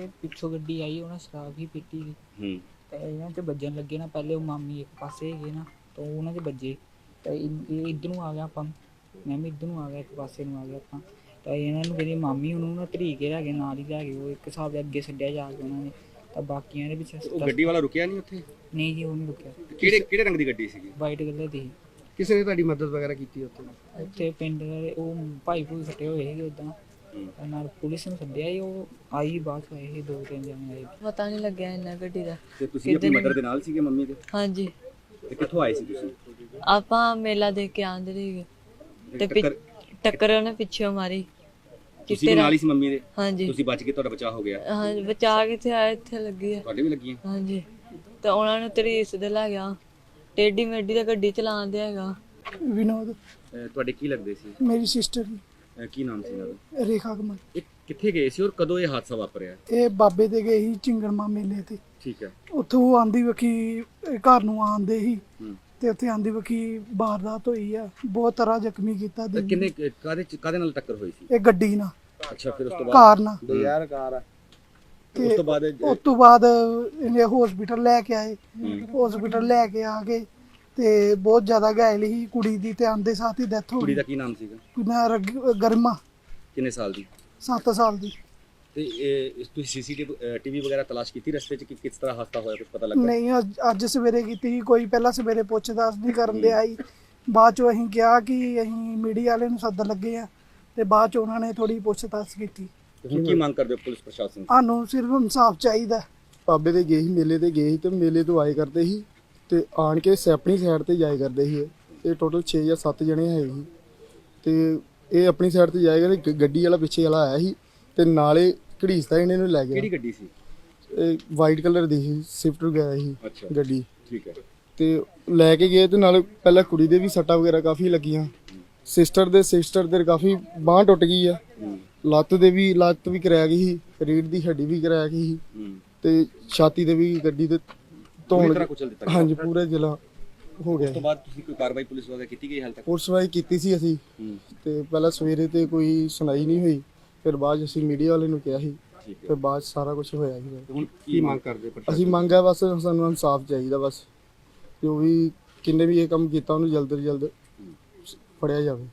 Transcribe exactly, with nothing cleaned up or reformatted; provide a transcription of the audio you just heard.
ਪਿੱਛੋਂ ਗੱਡੀ ਆਈ, ਉਹਨਾਂ ਸ਼ਰਾਬ ਹੀ ਪੀਤੀ ਸੀ ਹੂੰ ਤੇ ਇਹਨਾਂ 'ਚ ਵੱਜਣ ਲੱਗੇ ਨਾ। ਪਹਿਲੇ ਉਹ ਮਾਮੀ ਇੱਕ ਪਾਸੇ ਹੈਗੇ ਨਾ, ਤਾਂ ਉਹਨਾਂ 'ਚ ਵੱਜੇ ਤਾਂ ਇਹ ਇੱਧਰ ਨੂੰ ਆ ਗਿਆ, ਆਪਾਂ ਮੈਂ ਵੀ ਇੱਧਰ ਨੂੰ ਆ ਗਿਆ, ਇੱਕ ਪਾਸੇ ਨੂੰ ਆ ਗਿਆ ਆਪਾਂ। ਤਾਂ ਇਹਨਾਂ ਨੂੰ ਕਹਿੰਦੀ ਮਾਮੀ ਉਹਨੂੰ ਨਾ ਧਰੀ ਕੇ ਲੈ ਗਏ, ਨਾਲ ਹੀ ਲੈ ਗਏ। ਉਹ ਇੱਕ ਹਿਸਾਬ ਦੇ ਅੱਗੇ ਛੱਡਿਆ ਜਾ ਕੇ ਉਹਨਾਂ ਨੇ, ਤਾਂ ਬਾਕੀਆਂ ਦੇ ਵਿੱਚ ਉਹ ਗੱਡੀ ਵਾਲਾ ਰੁਕਿਆ ਨਹੀਂ ਉੱਥੇ? ਨਹੀਂ ਜੀ, ਉਹ ਨਹੀਂ ਰੁਕਿਆ। ਕਿਹੜੇ ਕਿਹੜੇ ਰੰਗ ਦੀ ਗੱਡੀ ਸੀਗੀ? ਵਾਈਟ ਕਲਰ ਦੀ ਸੀ। ਕਿਸੇ ਨੇ ਤੁਹਾਡੀ ਮਦਦ ਵਗੈਰਾ ਕੀਤੀ ਉੱਥੇ? ਉੱਥੇ ਪਿੰਡ ਦੇ ਉਹ ਭਾਈ ਭੂਈ ਫੱਟੇ ਹੋਏ ਸੀਗੇ ਉੱਦਾਂ, ਨਾਲ ਪੁਲਿਸ ਨੂੰ ਸੱਦਿਆ ਸੀ। ਉਹ ਆਈ ਬਾਅਦ ਚ ਆਏ ਸੀ, ਦੋ ਤਿੰਨ ਜਣੇ ਆਏ। ਪਤਾ ਨਹੀਂ ਲੱਗਿਆ ਇੰਨਾ ਗੱਡੀ ਦਾ। ਤੇ ਤੁਸੀਂ ਆਪਣੀ ਮਦਰ ਦੇ ਨਾਲ ਸੀਗੇ, ਮੰਮੀ ਦੇ? ਹਾਂਜੀ। ਤੇ ਕਿੱਥੋਂ ਆਏ ਸੀ ਤੁਸੀਂ? ਆਪਾਂ ਮੇਲਾ ਦੇਖ ਕੇ ਆਂਦੇ ਸੀਗੇ ਤੇ ਪਿ- ਟੱਕਰ ਉਹਨੇ ਪਿੱਛੋਂ ਮਾਰੀ। ਤੁਸੀਂ ਵੀ ਨਾਲ ਹੀ ਸੀ ਮੰਮੀ ਦੇ? ਹਾਂਜੀ। ਤੁਸੀਂ ਬਚ ਕੇ, ਤੁਹਾਡਾ ਬਚਾਅ ਹੋ ਗਿਆ? ਹਾਂਜੀ, ਬਚਾ ਕਿੱਥੇ ਆਇਆ, ਇੱਥੇ ਲੱਗੀ ਆ। ਤੁਹਾਡੇ ਵੀ ਲੱਗੀਆਂ? ਹਾਂਜੀ। ਤੇ ਉਹਨਾਂ ਨੂੰ ਤਰੀਸ ਦੇ ਲੈ ਗਿਆ, ਟੇਢੀ ਮੇਢੀ ਦਾ ਗੱਡੀ ਚਲਾਉਂਦੇ ਹੈਗਾ। ਵਿਨੋਦ ਅਹ ਤੁਹਾਡੇ ਕੀ ਲੱਗਦੇ ਸੀ? ਮੇਰੀ ਸਿਸਟਰ ਅਹ ਕੀ ਨਾਮ ਸੀ ਇਹਨਾਂ ਦਾ? ਰੇਖਾ ਕਮਲ। ਇਹ ਕਿੱਥੇ ਗਏ ਸੀ ਔਰ ਕਦੋਂ ਇਹ ਹਾਦਸਾ ਵਾਪਰਿਆ? ਇਹ ਬਾਬੇ ਦੇ ਗਏ ਸੀ ਚਿੰਗੜਮਾ ਮੇਲੇ ਤੇ। ਠੀਕ ਹੈ। ਉੱਥੋਂ ਉਹ ਆਂਦੀ ਵਕੀ ਘਰ ਨੂੰ ਆਂਦੇ ਸੀ ਹੂੰ। ਤੇ ਉੱਥੇ ਆਂਦੀ ਵਕੀ ਵਾਰਦਾਤ ਹੋਈ ਆ, ਬਹੁਤ ਤਰ੍ਹਾਂ ਜ਼ਖਮੀ ਕੀਤਾ ਤਾਂ ਦੀ ਕਿੰਨੇ ਕਾਦੇ ਕਾਦੇ ਨਾਲ ਟੱਕਰ ਹੋਈ ਸੀ? ਇਹ ਗੱਡੀ ਨਾਲ, ਅੱਛਾ, ਫਿਰ ਉਸ ਤੋਂ ਬਾਅਦ? ਕਾਰ ਨਾਲ। ਯਾਰ ਕਾਰ ਆ। ਉਸ ਤੋਂ ਬਾਅਦ ਉਸ ਤੋਂ ਬਾਅਦ ਇਹਨੇ ਹਸਪੀਟਲ ਲੈ ਕੇ ਆਏ। ਹਸਪੀਟਲ ਲੈ ਕੇ ਆ ਕੇ ਤੇ ਬਹੁਤ ਜ਼ਿਆਦਾ ਘਾਇਲ ਸੀ ਕੁੜੀ ਦੀ, ਤੇ ਆਂਦੇ ਸਾਥ ਹੀ ਡੈਥ ਹੋ ਕੁੜੀ ਗਈ। ਦਾ ਕੀ ਨਾਮ ਸੀਗਾ? ਕੁੜੀ ਰਗ- ਗਰਮਾ, ਕਿੰਨੇ ਸਾਲ ਦੀ? ਸੱਤ ਸਾਲ ਦੀ। ਤੇ ਇਹ ਤੁਸੀਂ ਸੀਸੀਟੀਵੀ ਟੀਵੀ ਵਗੈਰਾ ਤਲਾਸ਼ ਕੀਤੀ ਰਸਤੇ 'ਚ ਕਿ ਕਿਸ ਤਰ੍ਹਾਂ ਹਾਦਸਾ ਹੋਇਆ, ਕੁਝ ਪਤਾ ਲੱਗਾ? ਨਹੀਂ, ਅੱਜ ਅੱਜ ਸਵੇਰੇ ਕੀਤੀ ਸੀ ਕੋਈ। ਪਹਿਲਾਂ ਸਵੇਰੇ ਪੁੱਛਦਾਸ ਨਹੀਂ ਕਰਨ ਦੇ ਆਈ, ਬਾਅਦ ਚੋਂ ਅਸੀਂ ਕਿਹਾ ਕਿ ਅਸੀਂ ਮੀਡੀਆ ਵਾਲੇ ਨੂੰ ਸੱਦ ਲੱਗੇ ਆ, ਤੇ ਬਾਅਦ ਚ ਉਹਨਾਂ ਨੇ ਥੋੜੀ ਪੁੱਛਤਾਛ ਕੀਤੀ। ਤੇ ਹੁਣ ਕੀ ਮੰਗ ਕਰਦੇ ਹੋ ਪੁਲਿਸ ਪ੍ਰਸ਼ਾਸਨ ਤੋਂ? ਸਾਨੂੰ ਸਿਰਫ ਇਨਸਾਫ ਚਾਹੀਦਾ। ਬਾਬੇ ਦੇ ਗਏ ਸੀ, ਮੇਲੇ ਤੇ ਗਏ ਸੀ, ਤੇ ਮੇਲੇ ਤੋਂ ਆਏ ਕਰਦੇ ਸੀ ਤੇ ਆਣ ਕੇ ਆਪਣੀ ਸਾਈਡ ਤੇ ਜਾਏ ਕਰਦੇ ਸੀ। ਇਹ ਟੋਟਲ ਛੇ ਜਾਂ ਸੱਤ ਜਣੇ ਹੈ ਸੀ, ਤੇ ਇਹ ਆਪਣੀ ਸਾਈਡ ਤੇ ਜਾਏਗਾ ਤੇ ਗੱਡੀ ਵਾਲਾ ਪਿੱਛੇ ਵਾਲਾ ਆਇਆ ਸੀ ਤੇ ਨਾਲੇ ਘੜੀਸਦਾ ਇਹਨੇ ਨੂੰ ਲੈ ਗਿਆ। ਕਿਹੜੀ ਗੱਡੀ ਸੀ? ਇਹ ਵਾਈਟ ਕਲਰ ਦੀ ਸੀ, ਸਵਿਫਟ ਵਗੈਰਾ ਸੀ ਅੱਛਾ, ਗੱਡੀ। ਠੀਕ ਹੈ। ਤੇ ਲੈ ਕੇ ਗਏ ਤੇ ਨਾਲ ਪਹਿਲਾਂ ਕੁੜੀ ਦੇ ਵੀ ਸੱਟਾਂ ਵਗੈਰਾ ਕਾਫੀ ਲੱਗੀਆਂ। ਸਿਸਟਰ ਦੇ ਸਿਸਟਰ ਦੇ ਕਾਫੀ ਬਾਂਹ ਟੁੱਟ ਗਈ ਆ, ਲੱਤ ਦੇ ਵੀ ਲੱਤ ਵੀ ਕਰਾਇਆ ਗਈ ਸੀ, ਰੀੜ ਦੀ ਹੱਡੀ ਵੀ ਕਰਾਇਆ ਗਈ ਸੀ, ਤੇ ਛਾਤੀ ਦੇ ਵੀ ਗੱਡੀ ਦੇ ਧੌਣ। ਹਾਂਜੀ, ਪੂਰਾ ਜ਼ਿਲ੍ਹਾ ਹੋ ਗਿਆ। ਉਸ ਤੋਂ ਬਾਅਦ ਤੁਸੀਂ ਕੋਈ ਕਾਰਵਾਈ ਪੁਲਿਸ ਵੱਲੋਂ ਕੀਤੀ ਗਈ ਹਾਲ ਤੱਕ? ਪੁਲਿਸ ਵਾਈ ਕੀਤੀ ਸੀ ਅਸੀਂ, ਤੇ ਪਹਿਲਾਂ ਸਵੇਰੇ ਤੇ ਕੋਈ ਸੁਣਾਈ ਨਹੀਂ ਹੋਈ, ਫਿਰ ਬਾਅਦ ਅਸੀਂ ਮੀਡੀਆ ਵਾਲੇ ਨੂੰ ਕਿਹਾ ਸੀ, ਫਿਰ ਬਾਅਦ ਸਾਰਾ ਕੁਝ ਹੋਇਆ ਸੀ। ਹੁਣ ਕੀ ਮੰਗ ਕਰਦੇ? ਅਸੀਂ ਮੰਗਿਆ ਬਸ ਸਾਨੂੰ ਇਨਸਾਫ ਚਾਹੀਦਾ, ਬਸ ਜੋ ਵੀ ਕਿੰਨੇ ਵੀ ਇਹ ਕੰਮ ਕੀਤਾ ਉਹਨੂੰ ਜਲਦ ਤੋਂ ਜਲਦ ਫੜਿਆ ਜਾਵੇ।